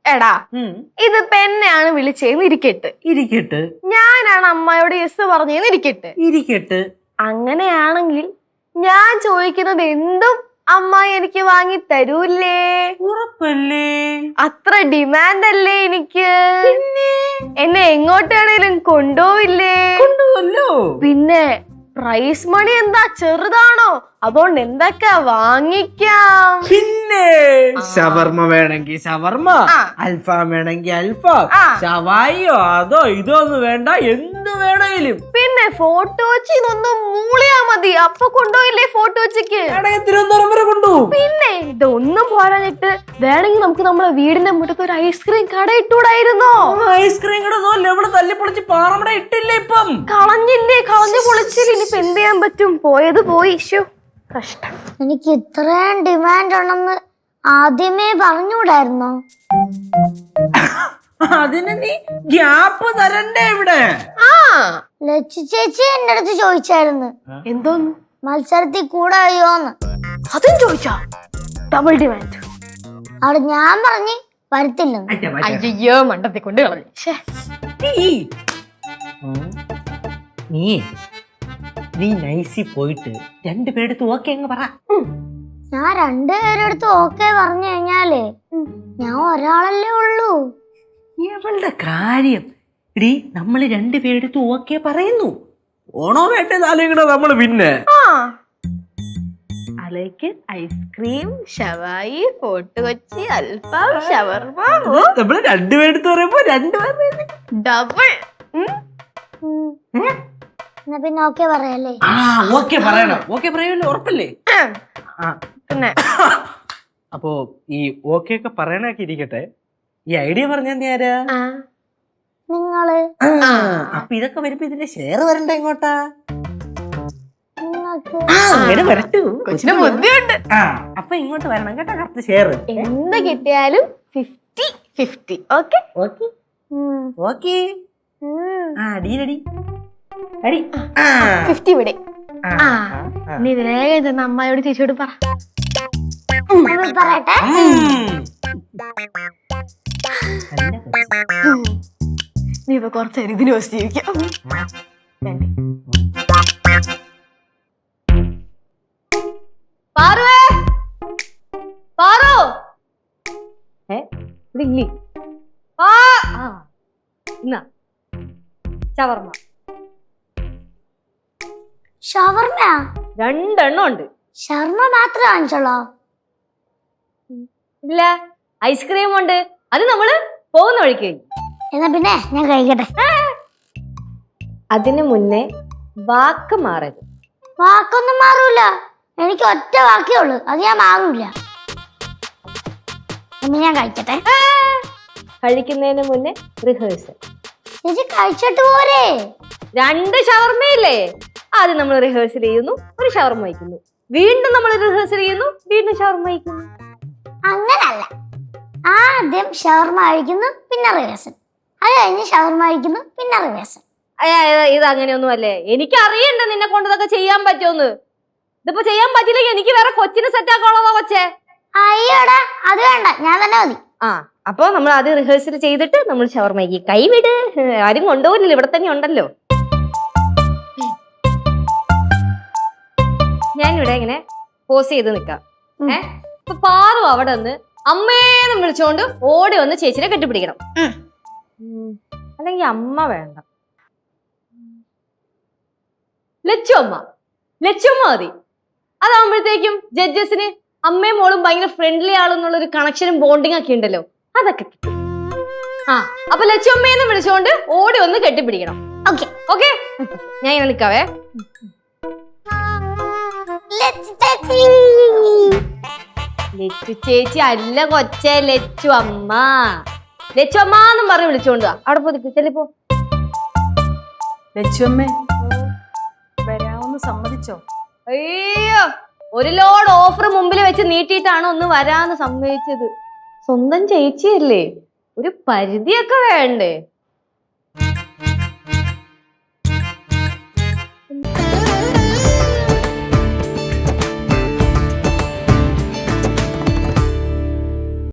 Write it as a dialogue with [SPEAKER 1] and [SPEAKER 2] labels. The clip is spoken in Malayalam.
[SPEAKER 1] എടാ ഇതിപ്പോ എന്നെയാണ് വിളിച്ചേന്ന് ഇരിക്കട്ടെ ഞാനാണ് അമ്മയോട് യെസ് പറഞ്ഞേന്ന് ഇരിക്കട്ടെ അങ്ങനെയാണെങ്കിൽ ഞാൻ ചോദിക്കുന്നത് എന്തും അമ്മ എനിക്ക് വാങ്ങി തരൂല്ലേ?
[SPEAKER 2] ഉറപ്പല്ലേ?
[SPEAKER 1] അത്ര ഡിമാൻഡ് അല്ലേ എനിക്ക്? എന്നെ എങ്ങോട്ടാണേലും കൊണ്ടുപോവില്ലേ?
[SPEAKER 2] കൊണ്ടുപോവല്ലോ.
[SPEAKER 1] പിന്നെ പ്രൈസ് മണി എന്താ ചെറുതാണോ? അതുകൊണ്ട് എന്തൊക്കെ വാങ്ങിക്കാം?
[SPEAKER 2] പിന്നെ ഷവർമ്മ വേണമെങ്കിൽ ഷവർമ്മ, അൽഫാം വേണമെങ്കിൽ അൽഫാം, ഷവായിയോ അതോ ഇതോ ഒന്നും വേണ്ട, എന്ത് വേണമെങ്കിലും.
[SPEAKER 1] പിന്നെ ഫോട്ടോ വെച്ച് ഇതൊന്നും മൂളിയാ മതി. അപ്പൊ കൊണ്ടുപോയില്ലേ ഫോട്ടോ വെച്ചിക്ക്?
[SPEAKER 2] തിരുവനന്തപുരം വരെ കൊണ്ടുപോകും.
[SPEAKER 1] പിന്നെ ഇതൊന്നും പോരാഞ്ഞിട്ട് വേണമെങ്കിൽ നമുക്ക് നമ്മുടെ വീടിന്റെ മുറ്റത്ത് ഒരു ഐസ്ക്രീം കട ഇട്ടൂടായിരുന്നോ?
[SPEAKER 2] ഐസ്ക്രീം കട ഇവിടെ തല്ലിപ്പൊളിച്ച് പാറമട ഇട്ടില്ലേ? ഇപ്പം
[SPEAKER 1] കളഞ്ഞു പൊളിച്ചില്ല. ഇനിയിപ്പൊ എന്ത് ചെയ്യാൻ പറ്റും? പോയത് പോയി. കഷ്ടം.
[SPEAKER 3] എനിക്ക് ഇത്രയും ഡിമാൻഡ് ഉണ്ടെന്ന് ആദ്യമേ പറഞ്ഞുകൂടായിരുന്നോ?
[SPEAKER 2] അതിന് നീ ഗ്യാപ്പ് തരണ്ടേ ഇവിടെ?
[SPEAKER 3] ലച്ചു ചേച്ചി എന്റെ അടുത്ത് ചോദിച്ചായിരുന്നു
[SPEAKER 1] എന്തോന്ന്
[SPEAKER 3] മത്സരത്തിൽ കൂടായോന്ന്.
[SPEAKER 1] അതും ചോദിച്ചാ? Double demand.
[SPEAKER 3] അവിടെ ഞാൻ പറഞ്ഞ് വരത്തില്ലെന്ന്.
[SPEAKER 1] അയ്യോ മണ്ടത്തെ കൊണ്ട് കളഞ്ഞു.
[SPEAKER 2] നീ നൈസി പോയിട്ട് രണ്ടുപേരെടുത്ത് ഓക്കെ അങ്ങ് പറ.
[SPEAKER 3] ഞാൻ രണ്ടുപേരെടുത്ത് ഓക്കെ പറഞ്ഞു കഴിഞ്ഞാലേ ഞാൻ ഒരാളല്ലേ ഉള്ളൂ.
[SPEAKER 2] ഇവളുടെ കാര്യം ഇടി, നമ്മള് രണ്ടുപേരെടുത്ത് ഓക്കെ പറയുന്നു. ഓണോ വേണ്ടതാലോചന നമ്മള് പിന്നെ
[SPEAKER 1] അലേക്ക് ഐസ്ക്രീം, ഷവായി, ഫോർട്ട് കൊച്ചി, അൽഫാം, ഷവർമ്മ.
[SPEAKER 2] നമ്മള് രണ്ടുപേരെടുത്ത് പറയുമ്പോ രണ്ടുപേരുടെ
[SPEAKER 1] ഡബിൾ.
[SPEAKER 3] എന്നാ പിന്നെ ഓക്കെ പറയല്ലേ?
[SPEAKER 2] ഓക്കെ പറയണം. ഓക്കെ പറയുമല്ലോ, ഉറപ്പല്ലേ?
[SPEAKER 1] പിന്നെ
[SPEAKER 2] അപ്പോ ഈ ഓക്കെ ഒക്കെ പറയണൊക്കെ ഇരിക്കട്ടെ, ഈ ഐഡിയ പറഞ്ഞാ ആരാ?
[SPEAKER 3] നിങ്ങള്.
[SPEAKER 2] അപ്പൊ ഇതൊക്കെ വരുമ്പോ ഇതിന്റെ ഷെയർ വരണ്ട ഇങ്ങോട്ടാ?
[SPEAKER 3] നിങ്ങൾക്ക്
[SPEAKER 2] അങ്ങനെ വരട്ടു.
[SPEAKER 1] കൊച്ചിന് ബുദ്ധിയുണ്ട്.
[SPEAKER 2] അപ്പൊ ഇങ്ങോട്ട് വരണം കേട്ടോ, കറക്റ്റ് ഷെയർ.
[SPEAKER 1] എന്ത് കിട്ടിയാലും 50-50. Okay
[SPEAKER 2] okay okay. ഡീലടി
[SPEAKER 1] 50 ഇവിടെ. നീ വേഗം ചെന്ന് അമ്മയോട് ചേച്ചിയോട് പറ.
[SPEAKER 3] പറയട്ടെ.
[SPEAKER 1] നീ ഇപ്പൊ കുറച്ചേരം ഇതിന് വെച്ച് ജീവിക്കാം.
[SPEAKER 3] ഷവർമ്മ
[SPEAKER 4] രണ്ടെണ്ണം ഉണ്ട്.
[SPEAKER 3] ഷവർമ്മ മാത്രമേ വാങ്ങിച്ചോളോ?
[SPEAKER 4] ഇല്ല, ഐസ്ക്രീം ഉണ്ട്. അത് നമ്മള് പോകുന്ന വഴിക്ക്.
[SPEAKER 3] എന്നാ പിന്നെ ഞാൻ കഴിക്കട്ടെ.
[SPEAKER 4] അതിനു മുന്നേ വാക്ക് മാറരുത്.
[SPEAKER 3] വാക്കൊന്നും മാറൂല. എനിക്ക് ഒറ്റ വാക്കേ ഉള്ളു, അത് ഞാൻ മാറൂല. ഞാൻ കഴിക്കട്ടെ.
[SPEAKER 4] കഴിക്കുന്നതിന് മുന്നേ റിഹേഴ്സൽ.
[SPEAKER 3] ചേച്ചി കഴിച്ചിട്ട് പോരെ?
[SPEAKER 4] 2 ഷവർമ്മയില്ലേ? ആദ്യം നമ്മൾ റിഹേഴ്സൽ ചെയ്യുന്നു, ഒരു ഷവർമ്മ വയ്ക്കുന്നു. വീണ്ടും നമ്മൾ റിഹേഴ്സൽ ചെയ്യുന്നു, വീണ്ടും ഷവർമ്മ വയ്ക്കുന്നു.
[SPEAKER 3] അങ്ങനല്ല, ആദ്യം ഷവർമ്മ കഴിക്കുന്നു, പിന്നെ റിഹേഴ്സൽ. അത് കഴിഞ്ഞ് ഷവർമ്മ കഴിക്കുന്നു, പിന്നെ റിഹേഴ്സൽ.
[SPEAKER 4] ഇത് അങ്ങനെയൊന്നും അല്ലേ. എനിക്ക് അറിയണ്ട നിന്നെ കൊണ്ട് ഇതൊക്കെ ചെയ്യാൻ പറ്റുമെന്ന്. ഇതിപ്പോ ചെയ്യാൻ പറ്റില്ലെങ്കിൽ എനിക്ക് വേറെ കൊച്ചിന് സെറ്റ് ആക്കാനുള്ളതാ കൊച്ചേ.
[SPEAKER 3] അയ്യോടാ, അത് വേണ്ട, ഞാൻ തന്നെ മതി.
[SPEAKER 4] അപ്പൊ നമ്മൾ ആദ്യം റിഹേഴ്സൽ ചെയ്തിട്ട് നമ്മൾ ഷവർമ്മയ്ക്ക്. കൈവിട്, ആരും കൊണ്ടുപോകില്ലല്ലോ, ഇവിടെ തന്നെ ഉണ്ടല്ലോ. ഞാനിവിടെ ഇങ്ങനെ പോസ് ചെയ്ത് നിക്കാം. ഇപ്പൊ പാറു അവിടെ നിന്ന് അമ്മേന്ന് വിളിച്ചോണ്ട് ഓടി വന്ന് ചേച്ചിനെ കെട്ടിപ്പിടിക്കണം. അല്ലെങ്കിൽ അമ്മ വേണ്ട, ലച്ചുമ്മ മതി. അതാകുമ്പോഴത്തേക്കും ജഡ്ജസിന് അമ്മയും മോളും ഭയങ്കര ഫ്രണ്ട്ലി ആളെന്നുള്ളൊരു കണക്ഷനും ബോണ്ടിങ് ഒക്കെ ഉണ്ടല്ലോ, അതൊക്കെ കിട്ടും. അപ്പൊ ലച്ചുമ്മേന്ന് വിളിച്ചോണ്ട് ഓടി വന്ന് കെട്ടിപ്പിടിക്കണം. ഓക്കെ ഓക്കെ, ഞാൻ ഇങ്ങനെ നിക്കാവേ. ലച്ചു ചേച്ചി അല്ല കൊച്ചേ, ലച്ചു അമ്മ. ലച്ചു അമ്മന്നും പറഞ്ഞ് വിളിച്ചോണ്ട് അവിടെ പോയി ചെല്ലിപ്പോ.
[SPEAKER 5] ലച്ചുമ്മേ, വരാമെന്ന് സമ്മതിച്ചോ?
[SPEAKER 4] അയ്യോ, ഒരു ലോഡ് ഓഫർ മുമ്പിൽ വെച്ച് നീട്ടിയിട്ടാണ് ഒന്ന് വരാന്ന് സമ്മതിച്ചത്. സ്വന്തം ചേച്ചിയല്ലേ, ഒരു പരിധിയൊക്കെ വേണ്ടേ?